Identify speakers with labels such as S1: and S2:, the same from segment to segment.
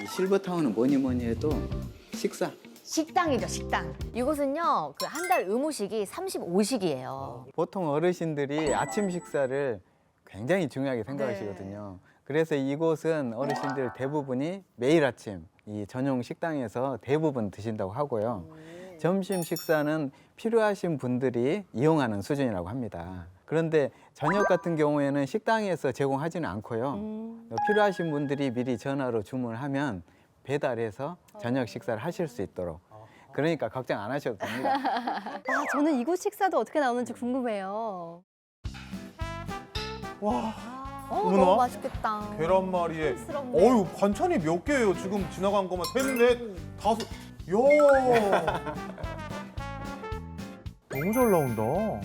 S1: 이 실버타운은 뭐니 뭐니 해도 식사.
S2: 식당이죠, 식당. 이곳은요, 그 한 달 의무식이 35식이에요.
S1: 보통 어르신들이 아침 식사를 굉장히 중요하게 생각하시거든요. 그래서 이곳은 어르신들 대부분이 매일 아침 이 전용 식당에서 대부분 드신다고 하고요. 점심 식사는 필요하신 분들이 이용하는 수준이라고 합니다. 그런데 저녁 같은 경우에는 식당에서 제공하지는 않고요. 필요하신 분들이 미리 전화로 주문하면 배달해서 저녁 식사를 하실 수 있도록. 그러니까 걱정 안 하셔도 됩니다.
S3: 아, 저는 이곳 식사도 어떻게 나오는지 궁금해요.
S4: 와,
S2: 너무
S4: 어머나.
S2: 맛있겠다.
S4: 계란말이에.
S3: 스럽네.
S4: 어유 반찬이 몇 개예요? 지금 지나간 것만 셋, 넷, 다섯. 야. 너무 잘 나온다.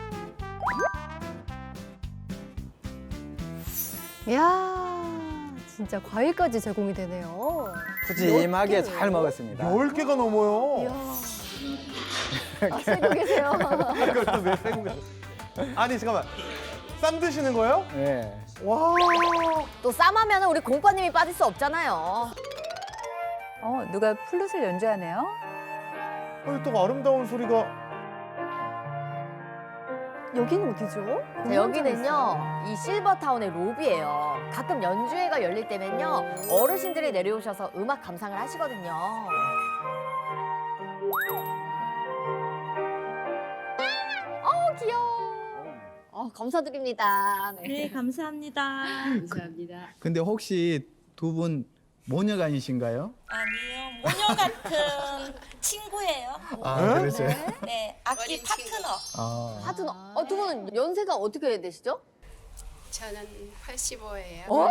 S3: 이야, 진짜 과일까지 제공이 되네요.
S1: 푸짐하게 잘 먹었습니다.
S4: 10개가 넘어요.
S3: 이야. 아, 쓰고 계세요.
S4: 이걸 또왜 빼고 가요? 아니 잠깐만. 쌈 드시는 거예요?
S1: 네.
S4: 와.
S2: 또 쌈하면 우리 공빠님이 빠질 수 없잖아요.
S5: 누가 플룻을 연주하네요?
S4: 또 아름다운 소리가.
S3: 여기는 어디죠?
S2: 자, 여기는요, 이 실버타운의 로비예요. 가끔 연주회가 열릴 때면요, 어르신들이 내려오셔서 음악 감상을 하시거든요. 귀여워. 감사드립니다. 네.
S6: 네, 감사합니다. 감사합니다.
S1: 근데 혹시 두 분 모녀간이신가요?
S6: 아니요, 모녀 같은 친구예요.
S1: 아, 그러세요?
S6: 네, 악기 파트너.
S1: 아.
S2: 파트너. 두 분은 연세가 어떻게 되시죠?
S7: 저는 85예요.